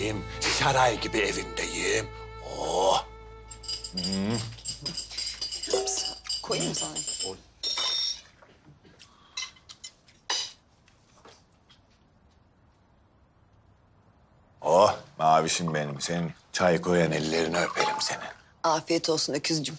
içindeyim. Saray gibi evimdeyim. Oh. Koyayım mı sana? Oh mavişim benim. Senin çay koyan ellerini öperim senin. Afiyet olsun öküzcüm.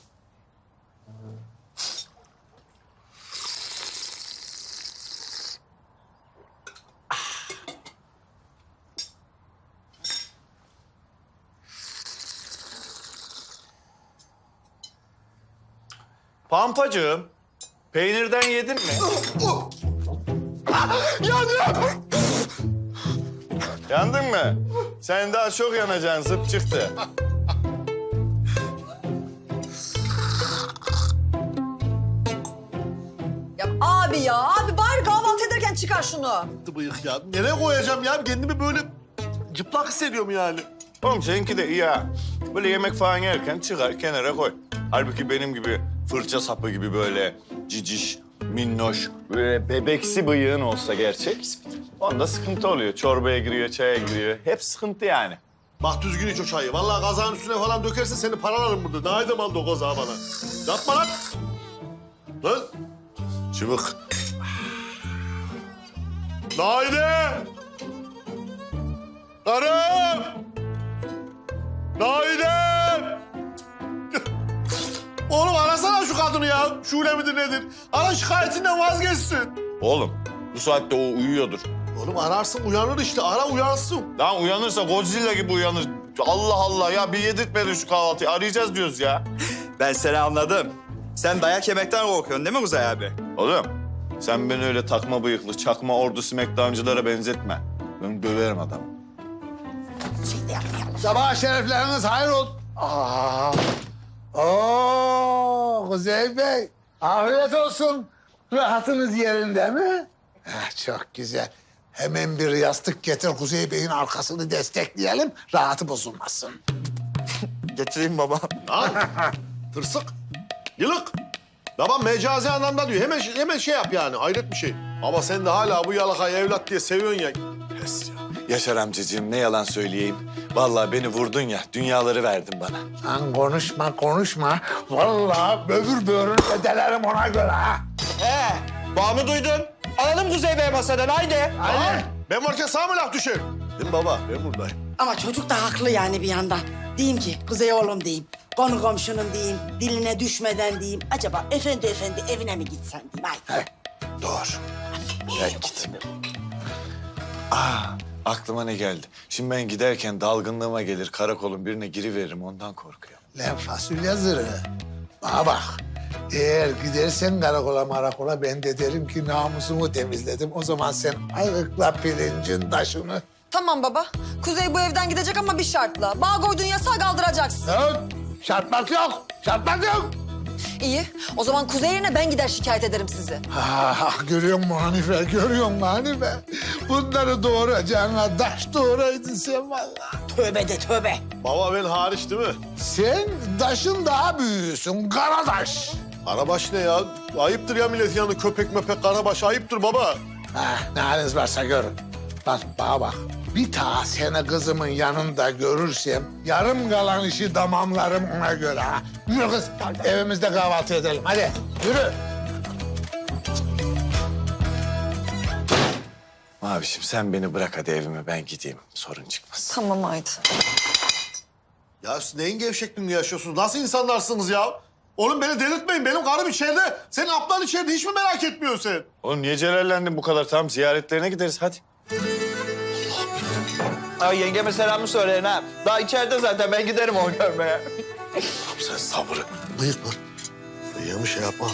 Pampacığım, peynirden yedin mi? Yandım. Yandın mı? Sen daha çok yanacaksın, zıp çıktı. Ya abi bari kahvaltı ederken çıkar şunu. Bıyık ya. Nereye koyacağım ya? Kendimi böyle cıplak hissediyorum yani. Oğlum seninki de iyi ha. Böyle yemek falan yerken çıkar, kenara koy. Halbuki benim gibi fırça sapı gibi böyle ciciş, minnoş, böyle bebeksi bıyığın olsa gerçek... onda sıkıntı oluyor. Çorbaya giriyor, çaya giriyor. Hep sıkıntı yani. Bak düzgün iç o çayı. Vallahi kazağın üstüne falan dökersen seni paralarım burada. Daha edem aldı o kazağı bana. Yapma lan. Lan. Çıbık. Naide! Karım! Naide! Oğlum arasana şu kadını ya. Şule midir nedir? Ara şikayetinden vazgeçsin. Oğlum, bu saatte o uyuyordur. Oğlum ararsın uyanır işte. Ara uyansın. Lan uyanırsa Godzilla gibi uyanır. Allah Allah ya, bir yedirtmedin şu kahvaltıyı. Arayacağız diyoruz ya. Ben seni anladım. Sen dayak yemekten korkuyorsun değil mi Kuzey abi? Oğlum, sen beni öyle takma bıyıklı, çakma ordu smackdown'cılara benzetme. Ben döverim adamı. Sabah şerefleriniz hayır ol. Kuzey Bey. Afiyet olsun. Rahatınız yerinde mi? Çok güzel. Hemen bir yastık getir Kuzey Bey'in arkasını destekleyelim. Rahatı bozulmasın. Getireyim baba. Lan tırsık, yılık. Babam mecazi anlamda diyor. Hemen şey yap yani. Hayret bir şey. Ama sen de hala bu yalakayı evlat diye seviyorsun ya. Pes ya. Yaşar amcacığım, ne yalan söyleyeyim. Vallahi beni vurdun ya, dünyaları verdin bana. Lan konuşma. Vallahi böbür böğrünü ödelerim ona göre ha. Bağımı duydun. Alalım Kuzey Bey masadan haydi. Hadi. Ben varken sağ mı laf düşer? Değil mi baba? Ben buradayım. Ama çocuk da haklı yani bir yandan. Diyeyim ki Kuzey oğlum diyeyim. Konu komşunun diyeyim. Diline düşmeden diyeyim. Acaba efendi evine mi gitsen diyeyim. Haydi. Doğru. Ya git. Aklıma ne geldi? Şimdi ben giderken dalgınlığıma gelir, karakolun birine giriveririm, ondan korkuyorum. Lan fasulye zırhı. Bana bak. Eğer gidersen karakola ben de derim ki namusumu temizledim. O zaman sen ayıkla pirincin taşını. Tamam baba. Kuzey bu evden gidecek ama bir şartla. Bağ koyduğun yasağı kaldıracaksın. Yok, şartmak yok. İyi. O zaman Kuzey yerine ben gider şikayet ederim sizi. Görüyor musun Hanife? Bunları doğuracağına taş doğuraydın sen vallahi. Tövbe de tövbe. Baba ben hariç değil mi? Sen taşın daha büyüğüsün, Karadaş. Karabaş ne ya? Ayıptır ya milletin yanında köpek möpek karabaş. Ayıptır baba. Ne haliniz varsa görün. Bana bak. Bir daha seni kızımın yanında görürsem yarım kalan işi tamamlarım ona göre ha. Yürü kız, evimizde kahvaltı edelim. Hadi yürü. Mavişim sen beni bırak hadi evime, ben gideyim. Sorun çıkmaz. Tamam haydi. Ya siz neyin gevşekliğini yaşıyorsunuz? Nasıl insanlarsınız ya? Oğlum beni delirtmeyin. Benim karım içeride. Senin ablan içeride. Hiç mi merak etmiyorsun sen? Oğlum niye celallendin bu kadar? Tamam, ziyaretlerine gideriz hadi. Ay yengeme selamı söyleyin ha. Daha içeride zaten ben giderim onu görmeye. Sen sabrı. Bıyık mı? Bıyığı şey yapma.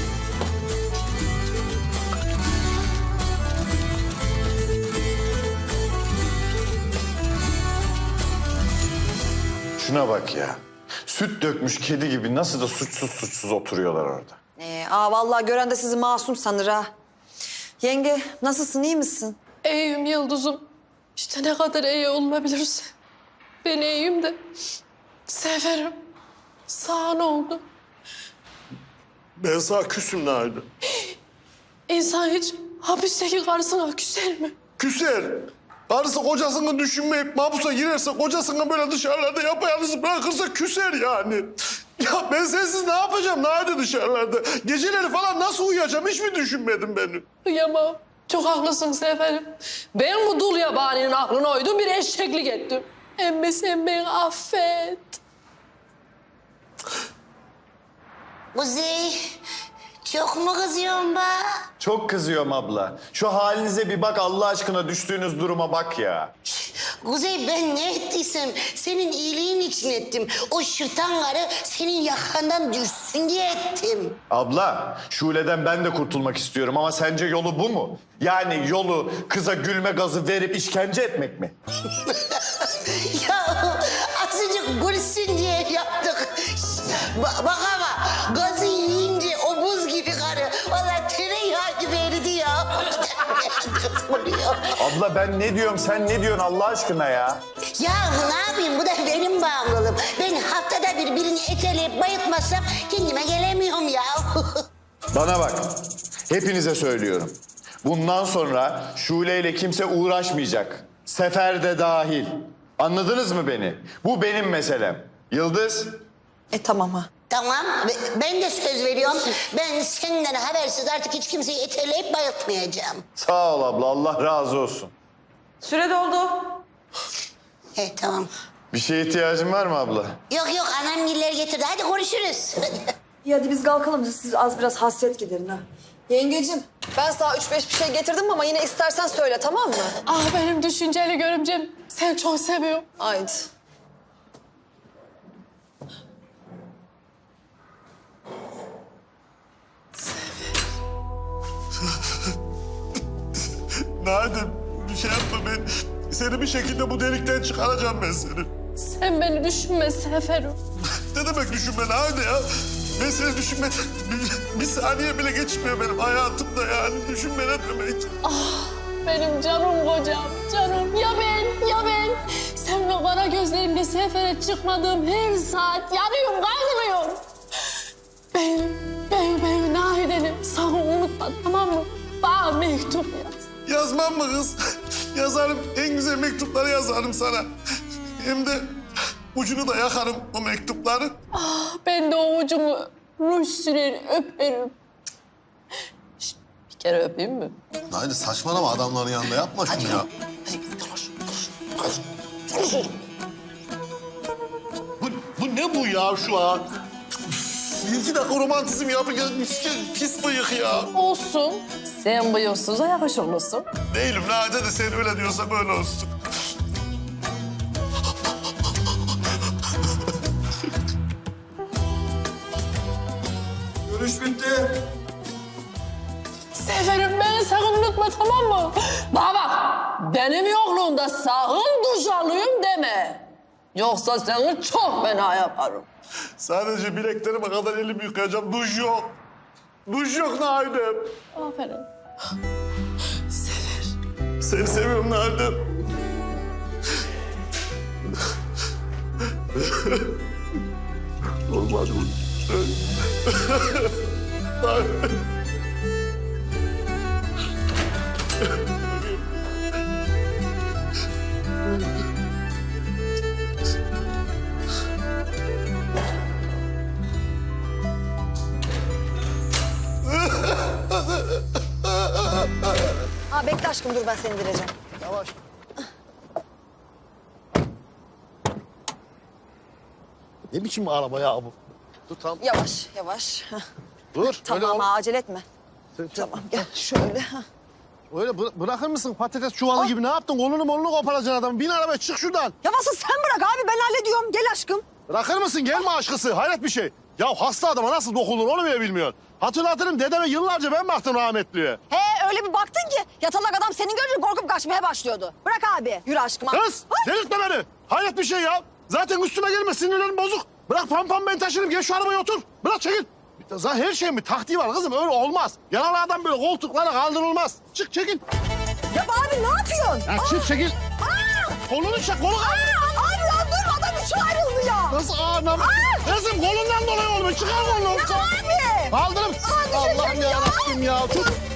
Şuna bak ya. Süt dökmüş kedi gibi nasıl da suçsuz oturuyorlar orada. Vallahi gören de sizi masum sanır ha. Yenge nasılsın, iyi misin? İyiyim Yıldız'ım. İşte ne kadar iyi olunabilirse. Ben iyiyim de severim. Sağ ne oldu? Ben sana küsüm nerede? İnsan hiç hapisteki karısına küser mi? Küser. Karısı kocasını düşünmeyip mahpusa girerse, kocasını böyle dışarılarda yapayalnız bırakırsa küser yani. Ya ben sensiz ne yapacağım Nade dışarılarda? Geceleri falan nasıl uyuyacağım hiç mi düşünmedin beni? Kıyamam. Çok haklısın Seferim. Ben bu dul yabaninin aklına uydum, bir eşeklik ettim. Emmi sen beni affet. Kuzey, çok mu kızıyorsun be? Çok kızıyorum abla. Şu halinize bir bak Allah aşkına, düştüğünüz duruma bak ya. Kuzey ben ne ettiysem senin iyiliğin için ettim. O şırtan karı senin yakandan düşsün diye ettim. Abla, Şule'den ben de kurtulmak istiyorum ama sence yolu bu mu? Yani yolu kıza gülme gazı verip işkence etmek mi? Ya azıcık gülsün diye yaptık. Bak ama gazı yiyince o buz gibi karı. Vallahi tereyağı gibi eridi ya. Abla ben ne diyorum, sen ne diyorsun Allah aşkına ya? Ya ne yapayım, bu da benim bağımlılığım. Ben haftada bir birini eteleyip bayıltmazsam kendime gelemiyorum ya. Bana bak, hepinize söylüyorum. Bundan sonra Şule ile kimse uğraşmayacak. Sefer de dahil. Anladınız mı beni? Bu benim meselem. Yıldız? Tamam ha. Tamam, ben de söz veriyorum. Ben senden habersiz artık hiç kimseyi eteleyip bayıltmayacağım. Sağ ol abla, Allah razı olsun. Süre doldu. Tamam. Bir şeye ihtiyacın var mı abla? Yok yok, anam giller getirdi. Hadi konuşuruz. İyi hadi biz kalkalım. Siz az biraz hasret giderin ha. Yengecim ben sana 3-5 bir şey getirdim ama yine istersen söyle tamam mı? Ah benim düşünceli görümcem. Seni çok seviyorum. Haydi. Nade bir şey yapma ben. Seni bir şekilde bu delikten çıkaracağım ben seni. Sen beni düşünme Seferim. Ne demek düşünme Nade ya? Ben seni düşünme... Bir saniye bile geçmiyor benim hayatımda yani. Düşünme ne demek? Benim canım kocam, canım. Ya ben? Sen ve kara gözlerimle sefere çıkmadığım her saat yanıyorum, kavruluyorum. Ben Nahide'nim. Sakın unutma tamam mı? Bana mektup yaz. Yazmam mı kız? Yazarım. En güzel mektupları yazarım sana. Hem de ucunu da yakarım o mektupları. Ben de o ucunu ruj sürer, öperim. Şişt, bir kere öpeyim mi? Nade saçmalama adamların yanında yapma şunu ya. Bu ne bu ya şu an? İki dakika romantizm yapınca pis bıyık ya. Olsun. Sen bıyıksıza yakışırlısın. Değilim Nade de sen öyle diyorsa böyle olsun. Görüş bitti. Seferim beni sakın unutma tamam mı? Bana bak benim yokluğumda sakın duş alayım deme. Yoksa seni çok fena yaparım. Sadece bileklerime kadar elimi yıkayacağım. Duş yok. Duş yok Nade. Aferin. Seni seviyorum Nade. Olmaz bu. Ha bekle aşkım dur ben seni indireceğim. Yavaş. Ne biçim araba ya bu? Dur tamam. Yavaş yavaş. Hah. Dur. Tamam öyle, ha acele etme. Tamam gel şöyle. Hah. öyle bırakır mısın patates çuvalı gibi? Ne yaptın? Kolunu koparacaksın adamın. Bin arabaya çık şuradan. Ya nasıl sen bırak abi ben hallediyorum. Gel aşkım. Bırakır mısın? Gelme aşkısı. Hayret bir şey. Ya hasta adama nasıl dokunur onu bile bilmiyorsun. Hatırlatırım dedeme yıllarca ben baktım rahmetliye. He öyle bir baktın ki yatalak adam seni görünce korkup kaçmaya başlıyordu. Bırak abi. Yürü aşkım. Kız delirtme beni. Hayret bir şey ya. Zaten üstüme gelme sinirlerim bozuk. Bırak pam ben taşırım. Gel şu arabaya otur. Bırak çekil. Zaten her şeyin bir taktiği var kızım. Öyle olmaz. Yaralı adam böyle koltuklara kaldırılmaz. Çık çekil. Ya abi ne yapıyorsun? Ya çık çekil. Kolunu çek. Kolu kaldır. Abi lan dur adam üçe ayrıldı ya. Nasıl anam? Kızım kolundan dolayı olmuş. Çıkar kolunu. Ya abi. Kaldırım. Aa, Allah'ım düşecek ya. yarabbim ya. Tut.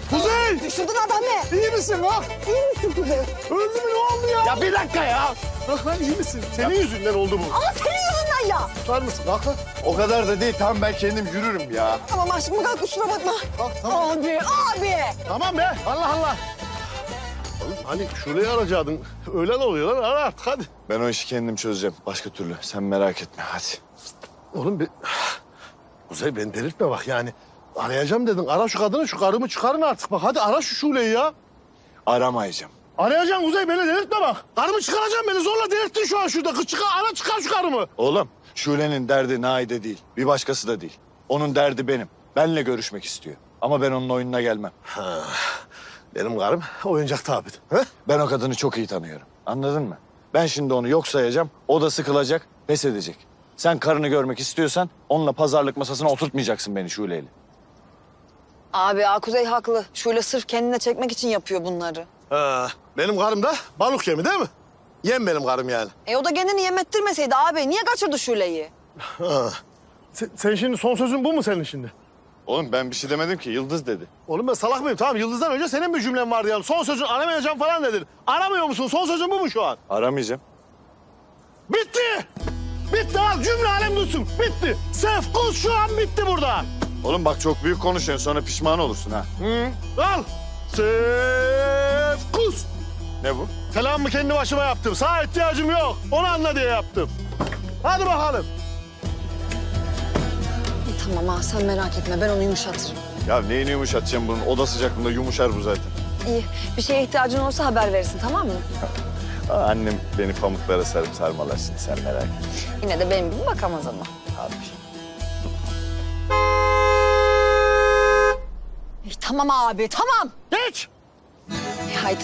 Kuzey! Düşürdün adamı. İyi misin lan? İyi misin Kuzey? Öldü mü ne oldu ya? Ya bir dakika ya. Bak lan iyi misin? Senin yüzünden oldu bu. Ama senin yüzünden ya. Tutar mısın? Kalk lan. O kadar da değil. Tamam ben kendim yürürüm ya. Tamam aşkım kalk kusura bakma. Kalk tamam. Abi. Tamam be. Allah Allah. Oğlum hani Şule'yi arayacaktın. Öğlen oluyor lan. Ara artık hadi. Ben o işi kendim çözeceğim. Başka türlü. Sen merak etme hadi. Oğlum bir... Kuzey beni delirtme bak yani. Arayacağım dedin. Ara şu kadını, şu karımı çıkarın artık. Bak hadi ara şu Şule'yi ya. Aramayacağım. Arayacaksın Kuzey beni delirtme bak. Karımı çıkaracaksın beni zorla delirttin şu an şurada. Ara çıkar şu karımı. Oğlum Şule'nin derdi Naide değil. Bir başkası da değil. Onun derdi benim. Benle görüşmek istiyor. Ama ben onun oyununa gelmem. Benim karım oyuncak tabi. He? Ben o kadını çok iyi tanıyorum. Anladın mı? Ben şimdi onu yok sayacağım. O da sıkılacak, pes edecek. Sen karını görmek istiyorsan onunla pazarlık masasına oturtmayacaksın beni Şule'yle. Abi Kuzey haklı. Şöyle sırf kendine çekmek için yapıyor bunları. Benim karım da balık yemi değil mi? Yem benim karım yani. O da kendini yemettirmeseydi abi. Niye kaçırdı Şule'yi? Sen şimdi son sözün bu mu senin şimdi? Oğlum ben bir şey demedim ki. Yıldız dedi. Oğlum ben salak mıyım? Tamam Yıldız'dan önce senin bir cümlen vardı yani. Son sözün aramayacağım falan dedin. Aramıyor musun? Son sözün bu mu şu an? Aramayacağım. Bitti! Bitti al cümle alem duysun. Bitti. Sefkus şu an bitti burada. Oğlum bak çok büyük konuşuyorsun. Sonra pişman olursun ha. Al. Sefkus. Ne bu? Selamımı kendi başıma yaptım. Sana ihtiyacım yok. Onu anla diye yaptım. Hadi bakalım. Tamam sen merak etme. Ben onu yumuşatırım. Ya neyini yumuşatacağım bunun? Oda sıcaklığında yumuşar bu zaten. İyi. Bir şeye ihtiyacın olursa haber verirsin tamam mı? Annem beni pamuklara sarıp sarmalar şimdi. Sen merak etme. Yine de benim gibi bakamaz ama. Abi. Tamam abi tamam. Geç. Haydi.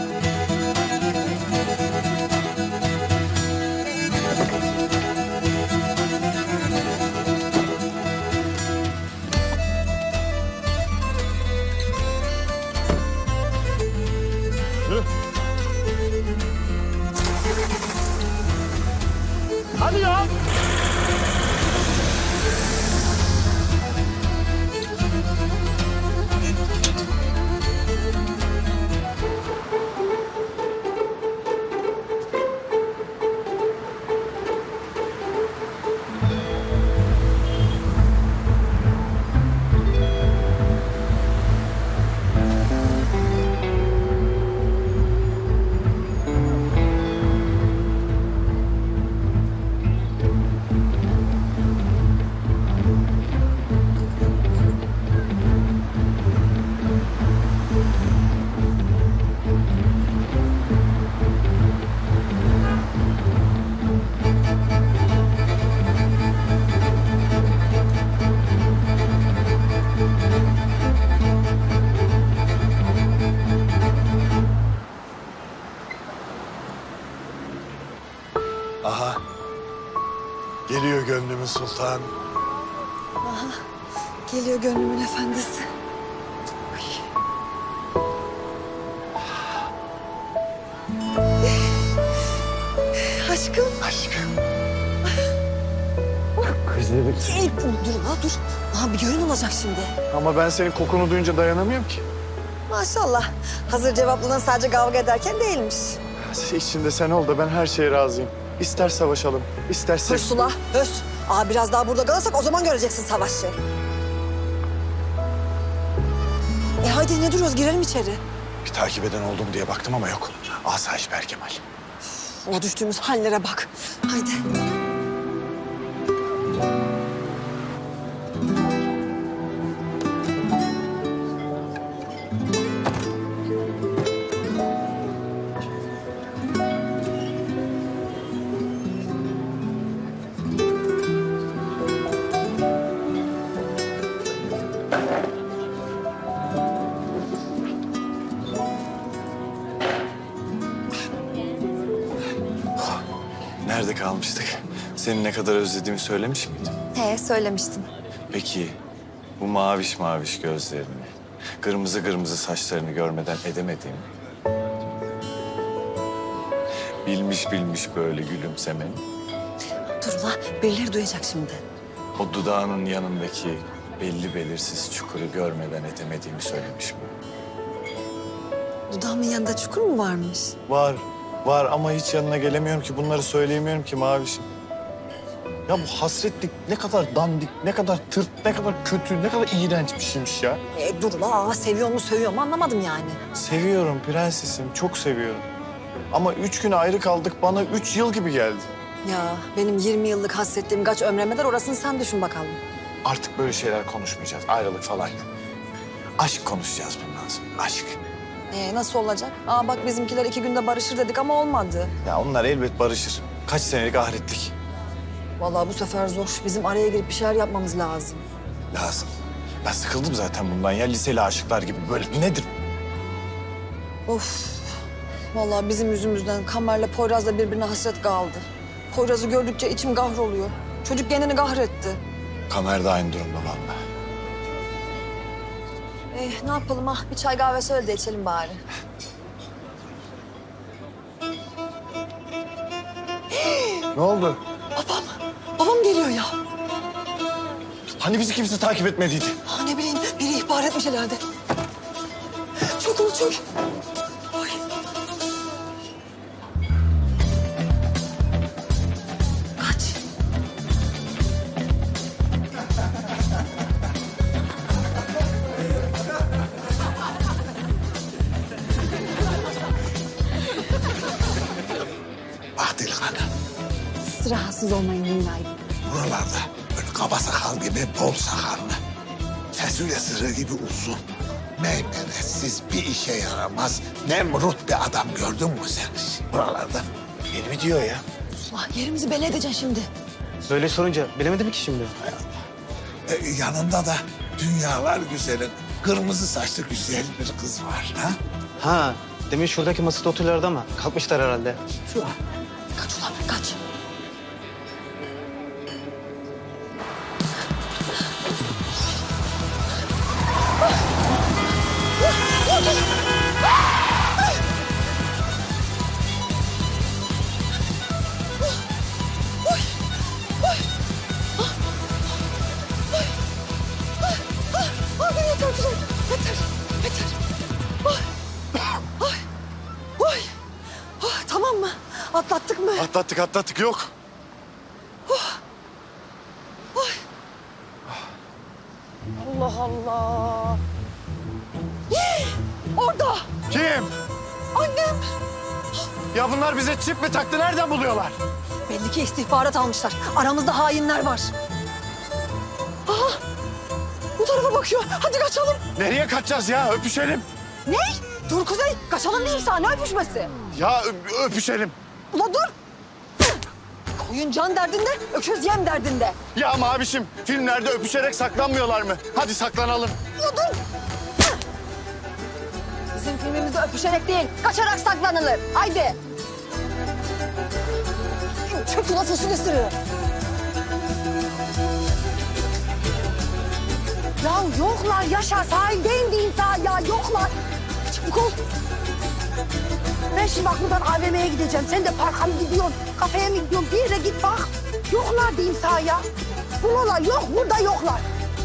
Hadi ya. Aha. Geliyor gönlümün sultan. Geliyor gönlümün efendisi. Aşkım. Aşkım. Dur ha dur. Bir gören olacak şimdi. Ama ben senin kokunu duyunca dayanamıyorum ki. Maşallah. Hazır cevaplanan sadece kavga ederken değilmiş. İçinde sen ol da ben her şeye razıyım. İster savaşalım, isterse... Hırsula, höz. Biraz daha burada kalırsak o zaman göreceksin savaşı. Haydi ne duruyoruz girelim içeri. Bir takip eden oldum diye baktım ama yok. Asayiş Berkemal. O düştüğümüz hallere bak. Haydi. Nerede kalmıştık? Seni ne kadar özlediğimi söylemiş miydim? Söylemiştim. Peki bu maviş maviş gözlerini, kırmızı kırmızı saçlarını görmeden edemediğimi... Bilmiş bilmiş böyle gülümsemeni, Dur ula, birileri duyacak şimdi. o dudağının yanındaki belli belirsiz çukuru görmeden edemediğimi söylemiş miyim? Dudağımın yanında çukur mu varmış? Var ama hiç yanına gelemiyorum ki. Bunları söyleyemiyorum ki Mavişim. Ya bu hasretlik ne kadar dandik, ne kadar tırt, ne kadar kötü, ne kadar iğrenç bir şeymiş ya. Dur la, seviyor mu sövüyor mu anlamadım yani. Seviyorum prensesim, çok seviyorum. Ama 3 gün ayrı kaldık, bana 3 yıl gibi geldi. Ya benim 20 yıllık hasretliğim kaç ömreme der, orasını sen düşün bakalım. Artık böyle şeyler konuşmayacağız, ayrılık falan yok. Aşk konuşacağız bundan sonra, aşk. Nasıl olacak? Bak bizimkiler 2 günde barışır dedik ama olmadı. Ya onlar elbet barışır. Kaç senelik ahiretlik. Vallahi bu sefer zor. Bizim araya girip bir şeyler yapmamız lazım. Lazım. Ben sıkıldım zaten bundan ya, liseli aşıklar gibi böyle. Nedir? Of. Vallahi bizim yüzümüzden Kamer'le Poyraz da birbirine hasret kaldı. Poyraz'ı gördükçe içim kahroluyor. Çocuk kendini kahretti. Kamer de aynı durumda vallahi. Ne yapalım ha? Bir çay kahve söyle de içelim bari. Ne oldu? Babam geliyor ya. Hani bizi kimse takip etmediydi? Ne bileyim, biri ihbar etmiş herhalde. Çok ulu çok. Ay. Kaç. Bak delikanlı, Siz rahatsız olmayın dünyayı. buralarda böyle kaba sakal gibi bol sakallı, fasulye sırrı gibi uzun, meymenetsiz bir işe yaramaz, nemrut bir adam gördün mü sen hiç buralarda? Beni mi diyor ya? Ulan yerimizi belli edeceksin şimdi. Böyle sorunca bilemedim ki şimdi. Yanında da dünyalar güzeli, kırmızı saçlı güzel bir kız var. Ha? Ha, demin şuradaki masada oturuyorlardı ama kalkmışlar herhalde. Kaç ulan kaç. Yeter güzel. Yeter. Yeter. Oy. Tamam mı? Atlattık mı? Atlattık yok. Allah Allah. Orada. Kim? Annem. Ya bunlar bize çip mi taktı? Nereden buluyorlar? Belli ki istihbarat almışlar. Aramızda hainler var. Aha. Bu tarafa bakıyor. Hadi kaçalım. Nereye kaçacağız ya? Öpüşelim. Ne? Dur Kuzey. Kaçalım diyeyim sana. Ne öpüşmesi? Ya öpüşelim. Ula dur. Koyun can derdinde, öküz yem derdinde. Ya Mavişim, filmlerde öpüşerek saklanmıyorlar mı? Hadi saklanalım. Ula dur. Bizim filmimizde öpüşerek değil, kaçarak saklanılır. Haydi. Çök ula fasulye sırrı. Ya yoklar Yaşar, sahildeyim diyeyim sana ya, yoklar. Çabuk ol. Ben şimdi bak buradan AVM'ye gideceğim. Sen de parka mı gidiyorsun, kafeye mi gidiyorsun? Bir yere git bak. Yoklar diyeyim sana ya. Buralar yok, burada yoklar.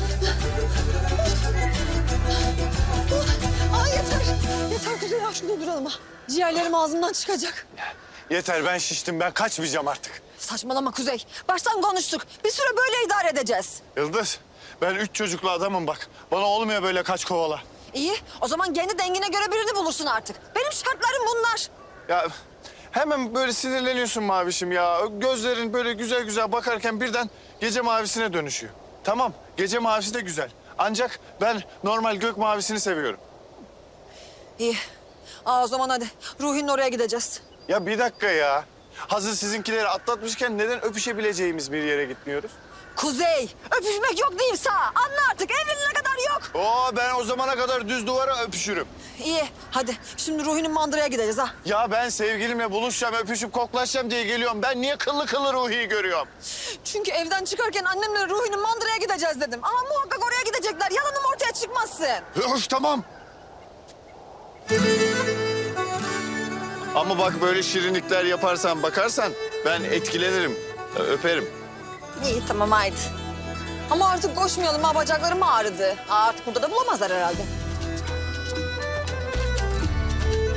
Yeter. Yeter Kuzey ya, şurada duralım ha. Ciğerlerim ağzımdan çıkacak. Yeter, ben şiştim. Ben kaçmayacağım artık. Saçmalama Kuzey. Baştan konuştuk. Bir süre böyle idare edeceğiz. Yıldız, ben 3 çocuklu adamım bak. Bana olmuyor böyle kaç kovala. İyi, o zaman kendi dengine göre birini bulursun artık. Benim şartlarım bunlar. Ya hemen böyle sinirleniyorsun Mavişim ya. Gözlerin böyle güzel güzel bakarken birden gece mavisine dönüşüyor. Tamam, gece mavisi de güzel. Ancak ben normal gök mavisini seviyorum. İyi. O zaman hadi. Ruhi'nin oraya gideceğiz. Ya bir dakika ya. Hazır sizinkileri atlatmışken neden öpüşebileceğimiz bir yere gitmiyoruz? Kuzey, öpüşmek yok diyeyim sana. Anla artık, evlenene kadar yok. Ben o zamana kadar düz duvara öpüşürüm. İyi, hadi. Şimdi Ruhi'nin mandıraya gideceğiz ha. Ya ben sevgilimle buluşacağım, öpüşüp koklaşacağım diye geliyorum. Ben niye kıllı kıllı Ruhi'yi görüyorum? Çünkü evden çıkarken annemle Ruhi'nin mandıraya gideceğiz dedim. Ama muhakkak oraya gidecekler. Yalanım ortaya çıkmazsın. Öf, tamam. Ama bak böyle şirinlikler yaparsan, bakarsan ben etkilenirim, öperim. İyi, tamam haydi. Ama artık koşmayalım ha, bacaklarım ağrıdı. Artık burada da bulamazlar herhalde.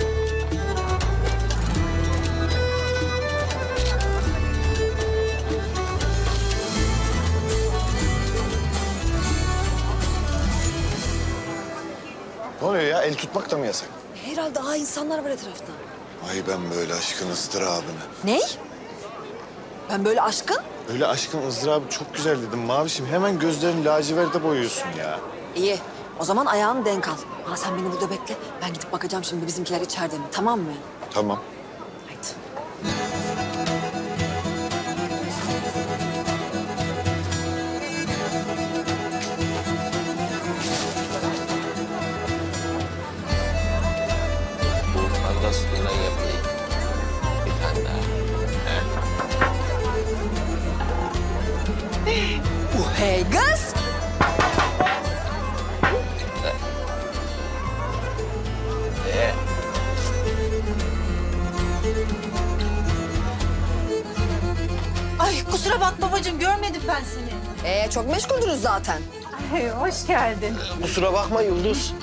el tutmak da mı yasak? Herhalde insanlar var etrafta. Ay ben böyle aşkın ızdırabını. Ney? Ben böyle aşkın? Öyle aşkın ızdırabı çok güzel dedim Mavişim. Hemen gözlerini laciverde boyuyorsun ya. İyi. O zaman ayağını denk al. Ha, sen beni burada bekle. Ben gidip bakacağım şimdi bizimkiler içeride mi? Tamam mı? Tamam. Haydi. Arda sütünden yapayım. Bir tane daha. Hey kız! Ay kusura bakma babacığım görmedim ben seni. Çok meşguldünüz zaten. Hoş geldin. Kusura bakma Yıldız.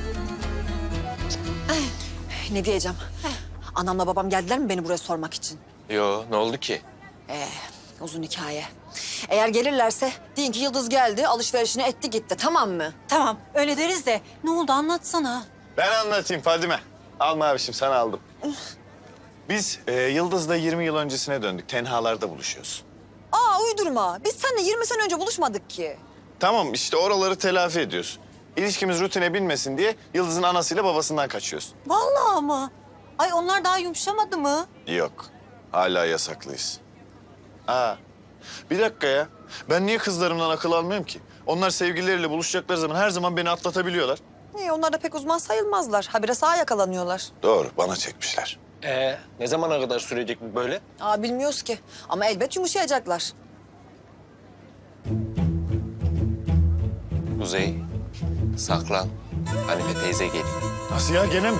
Ne diyeceğim? Anamla babam geldiler mi beni buraya sormak için? Yo, ne oldu ki? Uzun hikaye. Eğer gelirlerse deyin ki Yıldız geldi, alışverişini etti gitti, tamam mı? Tamam öyle deriz de ne oldu anlatsana. Ben anlatayım Fadime. Al Mavişim sana aldım. Biz Yıldız'la 20 yıl öncesine döndük. Tenhalarda buluşuyoruz. Uydurma. Biz seninle 20 sene önce buluşmadık ki. Tamam işte oraları telafi ediyoruz. İlişkimiz rutine binmesin diye Yıldız'ın anasıyla babasından kaçıyoruz. Vallahi ama. Ay onlar daha yumuşamadı mı? Yok. Hala yasaklıyız. Bir dakika ya. Ben niye kızlarımdan akıl almıyorum ki? Onlar sevgilileriyle buluşacakları zaman her zaman beni atlatabiliyorlar. Onlar da pek uzman sayılmazlar. Habire sağa yakalanıyorlar. Doğru, bana çekmişler. Ne zamana kadar sürecek bu böyle? Bilmiyoruz ki. Ama elbet yumuşayacaklar. Kuzey, saklan. Hanife teyze geliyor. Nasıl ya, gene mi?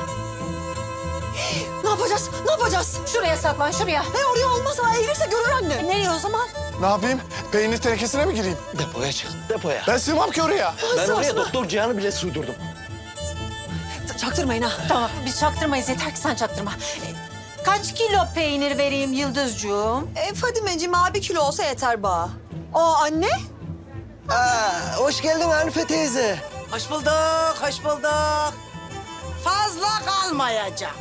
Ne yapacağız? Ne yapacağız? Şuraya saklan şuraya. Oraya olmaz ama eğilirse görür anne. Nereye o zaman? Ne yapayım? Peynir tenekesine mi gireyim? Depoya çık, depoya. Ben sığmam ki oraya. Ben oraya Doktor Cihan'ı bile sığdırdım. Çaktırmayın ha. Tamam biz çaktırmayız yeter ki sen çaktırma. Kaç kilo peynir vereyim Yıldızcuğum? Fadimeciğim 1 kilo olsa yeter bana. Anne? Hoş geldin Hanife teyze. Hoş bulduk, hoş bulduk. Fazla kalmayacağım.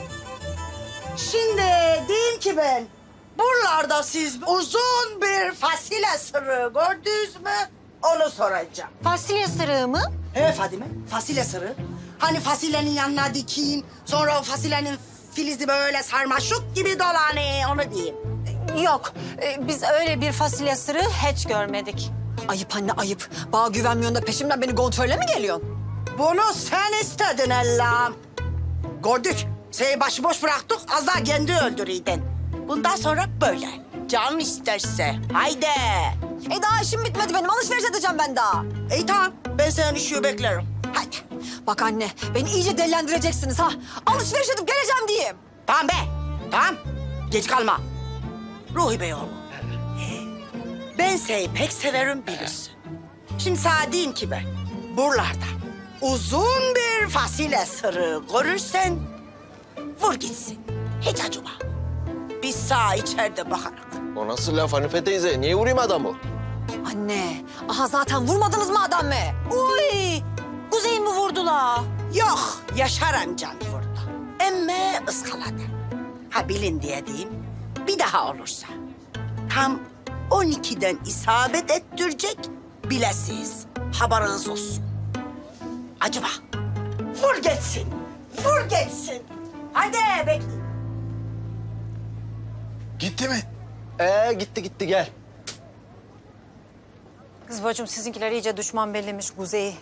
Şimdi diyeyim ki ben, buralarda siz uzun bir fasulye sırığı gördünüz mü? Onu soracağım. Fasulye sırığı mı? He Fadime, fasulye sırığı. Hani fasulyenin yanına dikin, sonra o fasulyenin filizi böyle sarmaşık gibi dolanıyor, onu diyeyim. Yok, biz öyle bir fasulye sırığı hiç görmedik. Ayıp anne ayıp. Bana güvenmiyorsun da peşimden beni kontrole mi geliyorsun? Bunu sen istedin Allah'ım. Gördük. Seni başıboş bıraktık. Az daha kendi öldürüydün. Bundan sonra böyle. Can isterse. Haydi. Daha işim bitmedi benim. Alışveriş edeceğim ben daha. İyi tamam. Ben senin işi beklerim. Haydi. Bak anne, beni iyice dellendireceksiniz ha. Alışveriş edip geleceğim diyeyim. Tamam be. Tamam. Geç kalma. Ruhi Bey oğlum. Ben seni pek severim bilirsin. Şimdi sana diyeyim ki ben, buralarda uzun bir fasulye sırığı görürsen vur gitsin. Hiç acıma. Biz sağ içeride bakarak. O nasıl laf Hanife teyze? Niye vurayım adamı? Anne, zaten vurmadınız mı adamı? Uy! Kuzey mi vurdular? Yok, Yaşar amcan vurdu. Emme ıskaladı. Ha bilin diye diyeyim, bir daha olursa tam 12'den isabet ettirecek bilesiz. Haberiniz olsun. Acaba vur geçsin, vur geçsin. Hadi bekleyin. Gitti mi? Gitti gel. Kız bacım sizinkiler iyice düşman bellemiş Kuzey'i.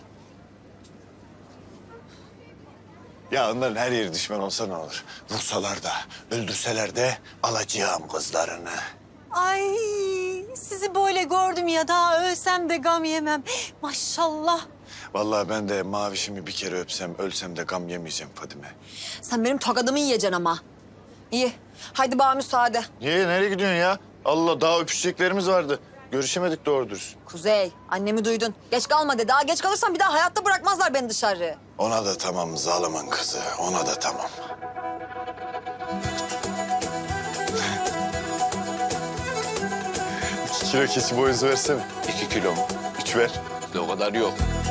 Ya onların her yeri düşman olsa ne olur? Vursalar da, öldürseler de alacağım kızlarını. Ay sizi böyle gördüm ya daha ölsem de gam yemem. Maşallah. Vallahi ben de Mavişimi bir kere öpsem, ölsem de gam yemeyeceğim Fadime. Sen benim tokadımı yiyeceksin ama. İyi, haydi bana müsaade. Niye? Nereye gidiyorsun ya? Allah, daha öpüşeceklerimiz vardı. Görüşemedik doğru dürüst. Kuzey, annemi duydun. Geç kalma dedi. Daha geç kalırsam bir daha hayatta bırakmazlar beni dışarı. Ona da tamam zalimin kızı, ona da tamam. İki kilo keçi boynuzu versene. 2 kilo mu? 3 ver. O kadar yok.